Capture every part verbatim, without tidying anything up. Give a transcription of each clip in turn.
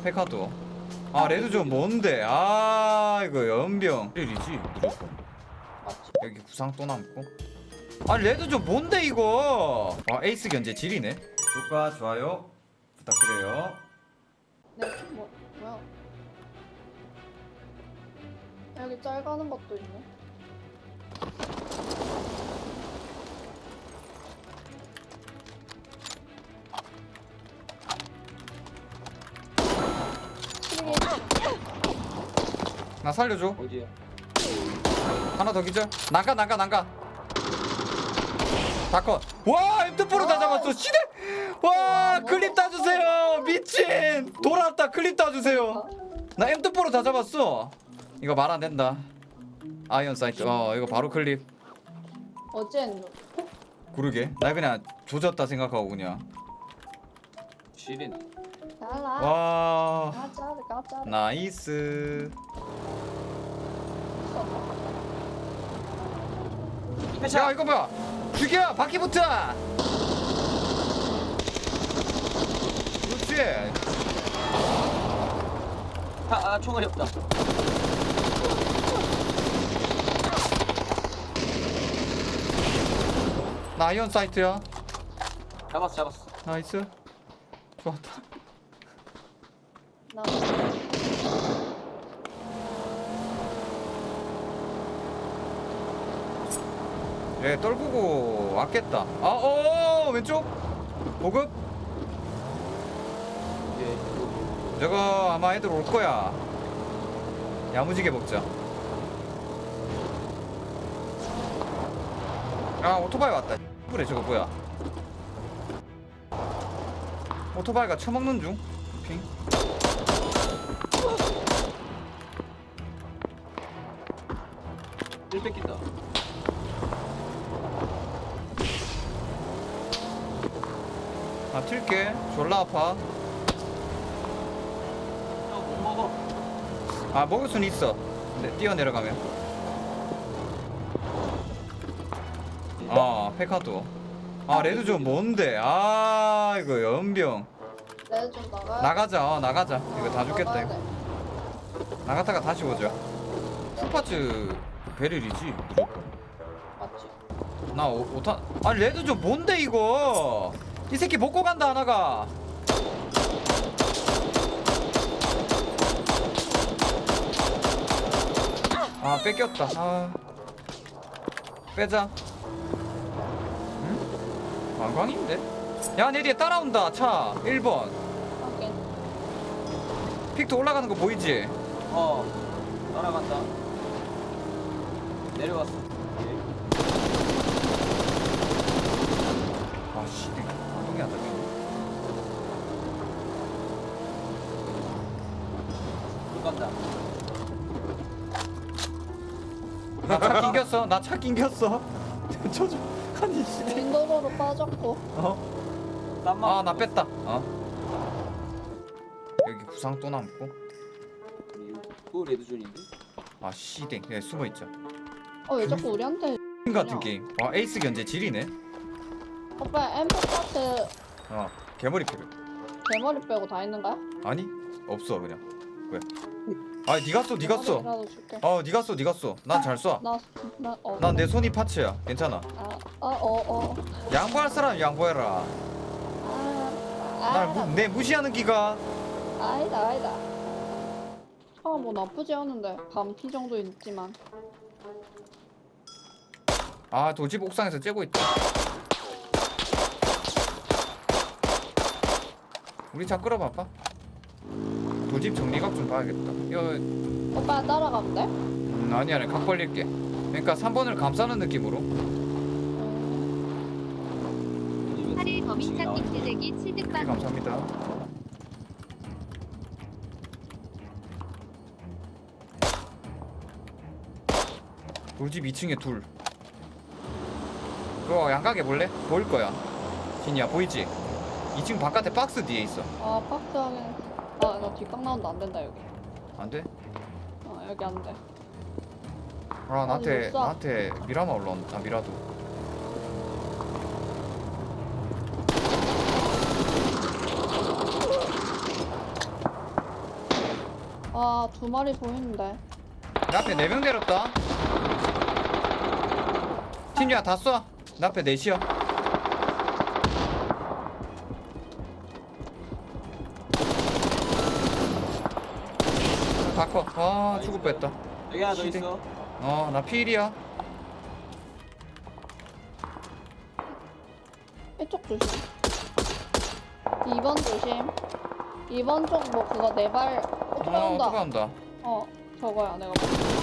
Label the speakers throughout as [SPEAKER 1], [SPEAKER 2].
[SPEAKER 1] 페카도. 아 레드존 뭔데? 아 이거 연병 일이지 무조건.
[SPEAKER 2] 맞지?
[SPEAKER 1] 여기 구상 또 남고. 아 레드존 뭔데 이거? 와 에이스 견제 지리네. 구독과 좋아요 부탁드려요.
[SPEAKER 2] 네, 뭐, 뭐야? 여기 짤 가는 것도 있네. 시리게
[SPEAKER 1] 나 살려줘.
[SPEAKER 3] 어디야?
[SPEAKER 1] 하나 더 기절. 난가 난가 난가. 다컷. 와 엠투포로 다 잡았어. 시대. 와 클립 따주세요. 미친. 돌아왔다. 클립 따주세요. 나 엠투포로 다 잡았어. 이거 말 안 된다. 아이언 사이트. 어 이거 바로 클립.
[SPEAKER 2] 어젠
[SPEAKER 1] 그러게. 나 그냥 조졌다 생각하고 그냥.
[SPEAKER 3] 시린.
[SPEAKER 2] 잘라.
[SPEAKER 1] 와
[SPEAKER 2] 가자, 가자.
[SPEAKER 1] 나이스. 야 이거 뭐야? 죽여 바퀴부터. 그렇지.
[SPEAKER 3] 아, 아 총알이 없다.
[SPEAKER 1] 나 아이언 사이트야.
[SPEAKER 3] 잡았어 잡았어.
[SPEAKER 1] 나이스. 좋았다.
[SPEAKER 2] 나
[SPEAKER 1] 얘 떨구고 왔겠다. 아, 어 왼쪽 보급.
[SPEAKER 3] 이게
[SPEAKER 1] 저거 아마 애들 올 거야. 야무지게 먹자. 아 오토바이 왔다. 그래 저거 뭐야? 오토바이가 처먹는 중. 핑.
[SPEAKER 3] 일 뺏긴다.
[SPEAKER 1] 아 튈게. 졸라 아파.
[SPEAKER 3] 못 먹어.
[SPEAKER 1] 아 먹을 순 있어. 네, 뛰어 내려가면. 아 페카도. 아 레드존 뭔데? 아 이거 연병.
[SPEAKER 2] 레드 좀 나가.
[SPEAKER 1] 나가자. 어, 나가자. 이거 다 죽겠다
[SPEAKER 2] 나가야
[SPEAKER 1] 이거.
[SPEAKER 2] 돼.
[SPEAKER 1] 나갔다가 다시 오자. 풀파츠 베릴이지 무조건.
[SPEAKER 2] 맞지?
[SPEAKER 1] 나 오, 오탄. 아니 레드존 뭔데 이거? 이 새끼 먹고 간다 하나가. 아 뺏겼다. 아 빼자. 응? 관광인데? 야 내 뒤에 따라온다 차 일 번.
[SPEAKER 2] 확인.
[SPEAKER 1] 픽도 올라가는 거 보이지?
[SPEAKER 3] 어. 따라간다. 내려왔어. 오케이.
[SPEAKER 1] 아씨 운동이 안 잡혀.
[SPEAKER 3] 못 간다.
[SPEAKER 1] 나 차 낑겼어. 나 차 낑겼어. 저저 아니 씨.
[SPEAKER 2] 윈도로로 빠졌고.
[SPEAKER 1] 어?
[SPEAKER 3] 땀만.
[SPEAKER 1] 아 나 뺐다. 어? 여기 구상 또 남고.
[SPEAKER 3] 또 레드존인데?
[SPEAKER 1] 아 씨댕. 그냥 숨어 있자.
[SPEAKER 2] 어, 왜 자꾸 우리한테.
[SPEAKER 1] 게임 같은 게임. 와 에이스 견제 지리네.
[SPEAKER 2] 오빠 엠포 파트
[SPEAKER 1] 어 개머리 필요.
[SPEAKER 2] 대머리 빼고 다 있는 거야?
[SPEAKER 1] 아니 없어 그냥. 왜? 아 니가 써 니가 써.
[SPEAKER 2] 나도 줄게.
[SPEAKER 1] 어 니가 써 니가 써. 난 잘 쏴.
[SPEAKER 2] 나, 나, 어.
[SPEAKER 1] 난 내 손이 파츠야. 괜찮아.
[SPEAKER 2] 아, 아, 어, 어.
[SPEAKER 1] 양보할 사람 양보해라.
[SPEAKER 2] 아,
[SPEAKER 1] 날
[SPEAKER 2] 아,
[SPEAKER 1] 무, 내 무시하는 기가.
[SPEAKER 2] 아니다, 아니다. 아, 뭐 나쁘지 않은데. 반피 정도 있지만.
[SPEAKER 1] 아 도집 옥상에서 째고 있다. 우리 차 끌어봐봐. 도집 정리각 좀 봐야겠다. 이거
[SPEAKER 2] 오빠 따라가면 돼?
[SPEAKER 1] 음, 아니 아니 각 벌릴게. 그러니까 삼 번을 감싸는 느낌으로.
[SPEAKER 4] 하릴 범인
[SPEAKER 3] 나와.
[SPEAKER 4] 찾기 필대기
[SPEAKER 1] 네,
[SPEAKER 4] 취득방
[SPEAKER 1] 감사합니다. 돌집 이 층에 둘. 그거 양각해 볼래? 보일 거야. 진이야 보이지? 이 층 바깥에 박스 뒤에 있어.
[SPEAKER 2] 아, 박스 하긴. 나, 나 뒷각 나온다. 안 된다, 여기.
[SPEAKER 1] 안 돼?
[SPEAKER 2] 어, 여기 안 돼.
[SPEAKER 1] 아 나한테
[SPEAKER 2] 못 쏴.
[SPEAKER 1] 나한테 미라마 올라온다. 아, 미라도.
[SPEAKER 2] 아, 두 마리 보이는데.
[SPEAKER 1] 내 앞에 네 명 내렸다. 팀이야 다 쏴. 내 앞에 넷이야. 다 커. 아 죽을 뻔했다.
[SPEAKER 3] 여기 하나 더
[SPEAKER 1] 시대.
[SPEAKER 3] 있어.
[SPEAKER 1] 어 나 필이야.
[SPEAKER 2] 이쪽 조심. 이 번 조심. 이 번 쪽 뭐 그거 네발 오토바이
[SPEAKER 1] 어
[SPEAKER 2] 온다.
[SPEAKER 1] 누가 온다.
[SPEAKER 2] 어, 저거야 내가 볼 때.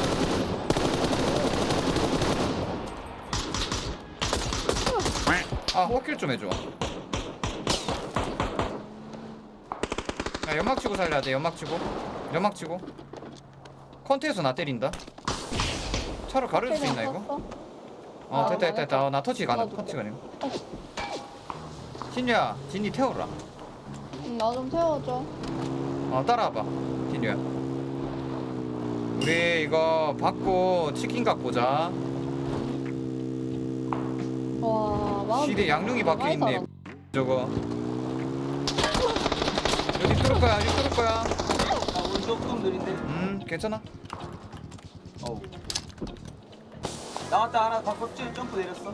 [SPEAKER 1] 아 호킬 좀 해줘. 야 연막 치고 살려야 돼. 연막 치고 연막 치고 컨테에서 나 때린다. 차로 가려줄 수 있나 이거?
[SPEAKER 2] 탔어?
[SPEAKER 1] 어
[SPEAKER 2] 아,
[SPEAKER 1] 됐다 됐다 됐다. 어, 나 터치 가능.
[SPEAKER 2] 나도
[SPEAKER 1] 터치
[SPEAKER 2] 돼.
[SPEAKER 1] 가능. 진유야 진이 태워라.
[SPEAKER 2] 응, 나 좀 태워줘.
[SPEAKER 1] 어 따라와봐 진유야. 우리 이거 받고 치킨각 보자.
[SPEAKER 2] 와, 마음.
[SPEAKER 1] 시대 양룡이 박혀
[SPEAKER 2] 많이
[SPEAKER 1] 있네.
[SPEAKER 2] 살았네.
[SPEAKER 1] 저거 여기 뚫을 거야 여기 뚫을 거야.
[SPEAKER 3] 아, 오늘 조금 느린데.
[SPEAKER 1] 음 괜찮아.
[SPEAKER 3] 어우. 나왔다 하나 바꿨지? 점프 내렸어.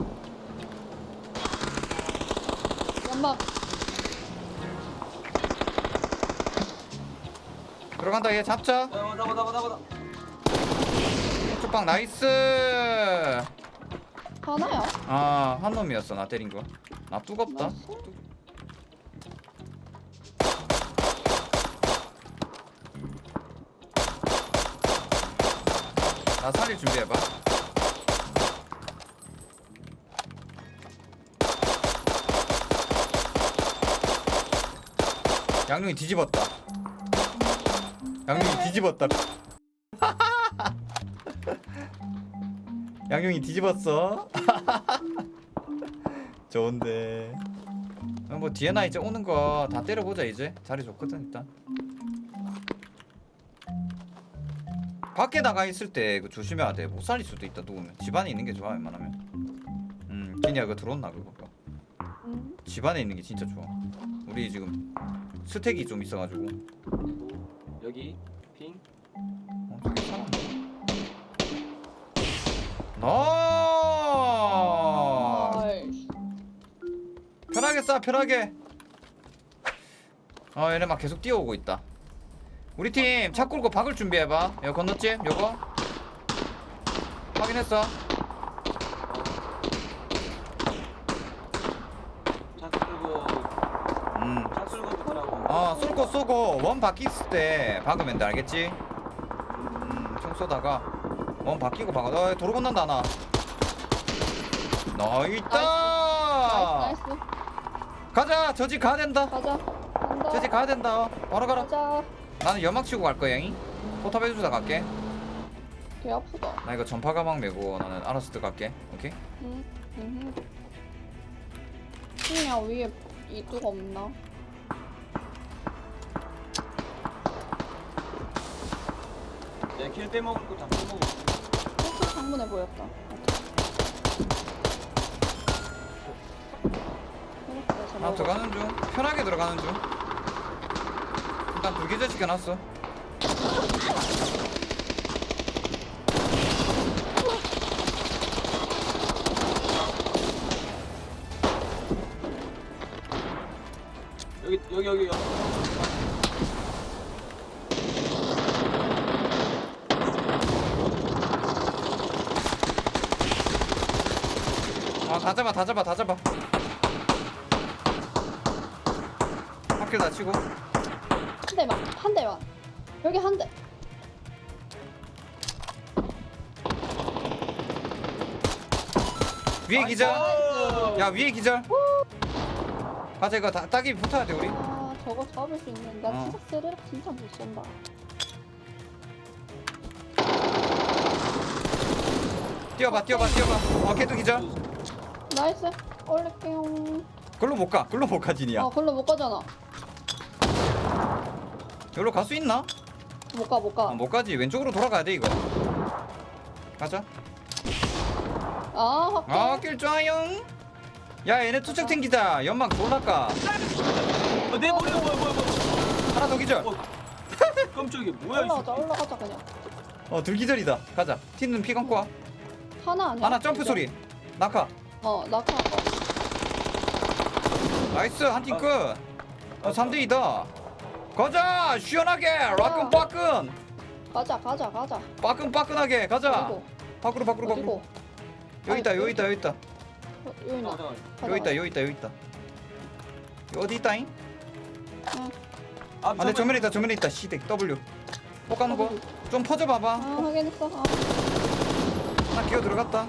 [SPEAKER 2] 연막.
[SPEAKER 1] 들어간다 얘 잡자.
[SPEAKER 3] 어, 나봐 나봐 나봐.
[SPEAKER 1] 쪽방 나이스.
[SPEAKER 2] 하나야?
[SPEAKER 1] 아 한 놈이었어 나 때린 거. 나 뜨겁다.
[SPEAKER 2] 나이스.
[SPEAKER 1] 나 살릴 준비해봐. 양룡이 뒤집었다. 양룡이 뒤집었다. 양룡이 뒤집었어. 좋은데. 어, 뭐 뒤에 나 이제 오는 거 다 때려보자 이제. 자리 좋거든 일단. 밖에 나가 있을 때 그 조심해야 돼. 못 살릴 수도 있다 누우면. 집안에 있는 게 좋아 웬만하면. 음, 기니야 그거 들어온나 그거.
[SPEAKER 2] 응.
[SPEAKER 1] 집안에 있는 게 진짜 좋아. 우리 지금 스택이 좀 있어가지고.
[SPEAKER 3] 여기 핑.
[SPEAKER 1] 어, 저기 사람. 나.
[SPEAKER 2] 아이씨.
[SPEAKER 1] 편하게 쏴 편하게. 어 얘네 막 계속 뛰어오고 있다. 우리 팀 차 끌고 박을 준비해봐. 여기 건너집 요거 확인했어.
[SPEAKER 3] 차 끌고
[SPEAKER 1] 음.
[SPEAKER 3] 차 끌고 붙으라고.
[SPEAKER 1] 어 쏠고 쏘고 원 바뀌 있을 때 박으면 돼 알겠지? 음총 쏘다가 원 바뀌고 박아. 어 도로 건넌다 하나. 너 있다.
[SPEAKER 2] 나이스, 나이스.
[SPEAKER 1] 가자 저 집 가야 된다.
[SPEAKER 2] 가자. 간다.
[SPEAKER 1] 저 집 가야 된다. 어, 바로 가라.
[SPEAKER 2] 가자.
[SPEAKER 1] 나는 연막 치고 갈 거야 잉. 포탑 해주다 갈게.
[SPEAKER 2] 개 아프다.
[SPEAKER 1] 나 이거 전파 가방 메고 나는 알아서 들어갈게. 오케이?
[SPEAKER 2] 응. 응. 그냥 위에 이뚝 없나?
[SPEAKER 3] 내가 킬 빼먹을 거다 빼먹어.
[SPEAKER 2] 이렇게 창문에 보였다. 이렇게 해서
[SPEAKER 1] 나 들어가는 중. 편하게 들어가는 중. 일단 불기절 시켜놨어.
[SPEAKER 3] 여기 여기 여기 여기.
[SPEAKER 1] 아다 잡아 다 잡아 다 잡아. 학교 다치고.
[SPEAKER 2] 한 대만, 한 대만. 여기 한 대.
[SPEAKER 1] 위에 기절.
[SPEAKER 3] 나이스.
[SPEAKER 1] 야 위에 기절. 가자 이거 다, 따기 붙어야 돼 우리.
[SPEAKER 2] 아, 저거 잡을 수 있는. 나
[SPEAKER 1] 어.
[SPEAKER 2] 진짜 스르륵 진짜 못 쏜다.
[SPEAKER 1] 뛰어봐 뛰어봐 뛰어봐. 어 걔도 기절.
[SPEAKER 2] 나이스. 올릴게요.
[SPEAKER 1] 글로 못 가. 글로 못 가 진이야.
[SPEAKER 2] 어, 글로 못 가잖아.
[SPEAKER 1] 여기로 갈 수 있나?
[SPEAKER 2] 못 가, 못 가.
[SPEAKER 1] 아, 못 가지. 왼쪽으로 돌아가야 돼 이거. 가자.
[SPEAKER 2] 아, 확대.
[SPEAKER 1] 아, 길 좋아요. 야, 얘네 투척 튕기자. 연막 졸라까.
[SPEAKER 3] 어, 내 머리 뭐야 뭐야 뭐야.
[SPEAKER 1] 하나 더 기절.
[SPEAKER 3] 어. 깜짝이야 뭐야 이
[SPEAKER 2] 올라가자
[SPEAKER 3] 새끼.
[SPEAKER 2] 올라가자 그냥.
[SPEAKER 1] 어 들기절이다. 가자. 티는 피 감고 와.
[SPEAKER 2] 하나 아니야?
[SPEAKER 1] 하나 점프 소리. 낙하.
[SPEAKER 2] 어 낙하. 어.
[SPEAKER 1] 나이스 한 팀
[SPEAKER 3] 아.
[SPEAKER 1] 끝. 어 삼 대 이다. 가자 시원하게 라끈 빠끈
[SPEAKER 2] 가자 가자 가자.
[SPEAKER 1] 빠끈 빠끈하게 가자.
[SPEAKER 2] 어디고?
[SPEAKER 1] 밖으로 밖으로 밖으로.
[SPEAKER 2] 어디고?
[SPEAKER 1] 여기 있다 여기 있다 여기 있다
[SPEAKER 2] 어, 여기 있나?
[SPEAKER 3] 잠깐만, 잠깐만.
[SPEAKER 1] 여기 있다 여기 있다 여기 있다. 여기 어디 있다잉?
[SPEAKER 3] 아,
[SPEAKER 1] 아 내 정면에 있다 정면에 있다. 시댁 W. 폭 가는 거. 좀 퍼져
[SPEAKER 2] 아
[SPEAKER 1] 봐봐.
[SPEAKER 2] 확인했어. 아.
[SPEAKER 1] 하나 기어 들어갔다.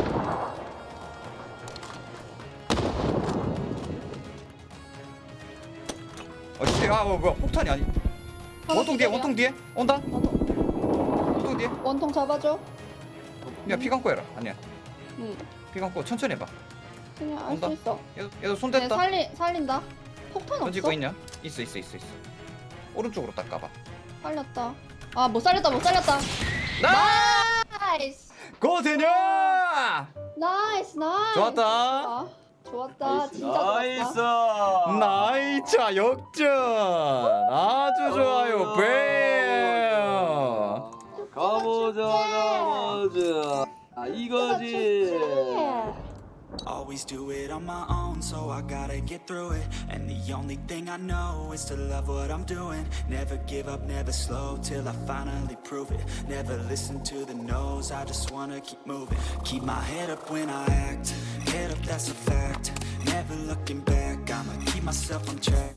[SPEAKER 1] 어 씨, 아 뭐, 뭐야 폭탄이 아니.
[SPEAKER 2] 하나
[SPEAKER 1] 원통 뒤에
[SPEAKER 2] 기절이야.
[SPEAKER 1] 원통 뒤에 온다.
[SPEAKER 2] 원통,
[SPEAKER 1] 원통 뒤에.
[SPEAKER 2] 원통 잡아줘.
[SPEAKER 1] 야피 감고 해라. 아니야
[SPEAKER 2] 응.
[SPEAKER 1] 피 감고 천천히 해봐.
[SPEAKER 2] 그냥 알
[SPEAKER 1] 온다.
[SPEAKER 2] 수 있어.
[SPEAKER 1] 얘도 얘도 손
[SPEAKER 2] 얘
[SPEAKER 1] 댔다.
[SPEAKER 2] 살리 살린다. 폭탄
[SPEAKER 1] 던지고
[SPEAKER 2] 없어?
[SPEAKER 1] 있냐? 있어 있어 있어 있어. 오른쪽으로 딱 가봐.
[SPEAKER 2] 살렸다. 아 못 살렸다 못 살렸다.
[SPEAKER 1] 나
[SPEAKER 2] 나이스.
[SPEAKER 1] 고세녀.
[SPEAKER 2] 나이스 나이스.
[SPEAKER 1] 좋았다.
[SPEAKER 2] 아, 좋았다. 진짜
[SPEAKER 3] 나이스.
[SPEAKER 2] 좋았다.
[SPEAKER 1] 나이차 역전. 아주 좋아요. 뱀.
[SPEAKER 3] 가보자 가보자. 아 이거지.
[SPEAKER 5] Always do it on my own, so I gotta get through it. And the only thing I know is to love what I'm doing. Never give up, never slow, till I finally prove it. Never listen to the no's, I just wanna keep moving. Keep my head up when I act, head up, that's a fact. Never looking back, I'ma keep myself on track.